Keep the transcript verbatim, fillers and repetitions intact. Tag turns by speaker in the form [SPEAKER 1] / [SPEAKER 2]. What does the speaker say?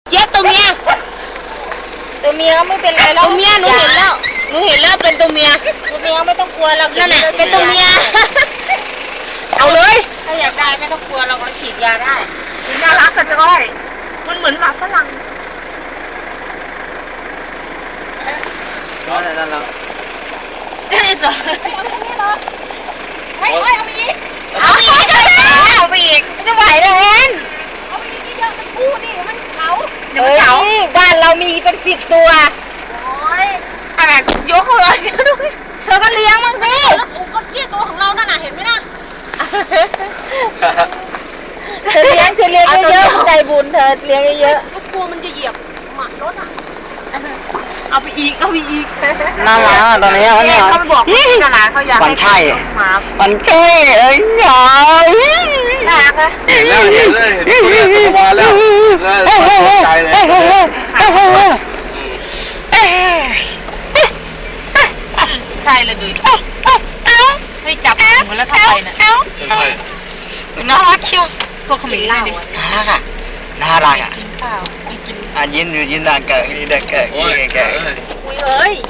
[SPEAKER 1] เจี๊ยบตัวเมียตัวเมียก็ไม่เป็นไรแล้วตัวเมียหนูเห็นแล้วหนูเห็นแล้วเป็นตัวเมียตัวเมียไม่ต้องกลัวเรานั่นแหละเป็นตัวเมียเอาเลยถ้าอยากได้ไม่ต้องกลัวเราก็ฉีดยาได้
[SPEAKER 2] น่ารักกันจ้อยมันเหมือนหมาฝรั่ง
[SPEAKER 3] นั่นนั่นแล้ว
[SPEAKER 1] เอ้ยสอนเฮ้ยเฮ้ยเอาไปอีกเอาไปอีกเอาไปอีกไม่ไหวแล้วเอ็นเอาไปอีกเยอะมันคู่นี่มันเขาเดี๋ยวมันเขาบ้านเรามีเป็นสิบตัวโอ้ยอะไรยกเขาเลยเธอก็เลี้ยงมั้งสิอุกก็เลี้ยงตัวของเรานั่นน่ะเห็นไหมนะเธอเลี้ยงเธอเลี้ยงเยอะๆใจบุญเธอเลี้ยงเยอะๆกลัวมันจะเหยียบหมารถอ่ะเอาไปอีกเอาไปอีก
[SPEAKER 3] น่ารักอ่ะตอนนี้มันเนี่ย
[SPEAKER 2] เขาไปบอกที่ตลาดเขาอยาก
[SPEAKER 3] มันใช่มันใช่เอ้ยหยา
[SPEAKER 1] น่ารักนะ
[SPEAKER 4] เห็นแล้วเห็นเลยเห็นตัวตัวมาแล้วใจเลย
[SPEAKER 2] ใช่เลยดูให้จับมือแล้วเข้าไปน่ะ
[SPEAKER 3] น่ารักเชียว
[SPEAKER 2] พวกขมิ้นเหล้า
[SPEAKER 3] น่ารักอ่ะน่ารักอ่ะ
[SPEAKER 2] กินข้าวไม่กิน
[SPEAKER 3] อ่ะยินอยู่ยินด่างเกิดนี่ด่างเกิดนี่เกิด
[SPEAKER 1] อุ้ยเอ้ย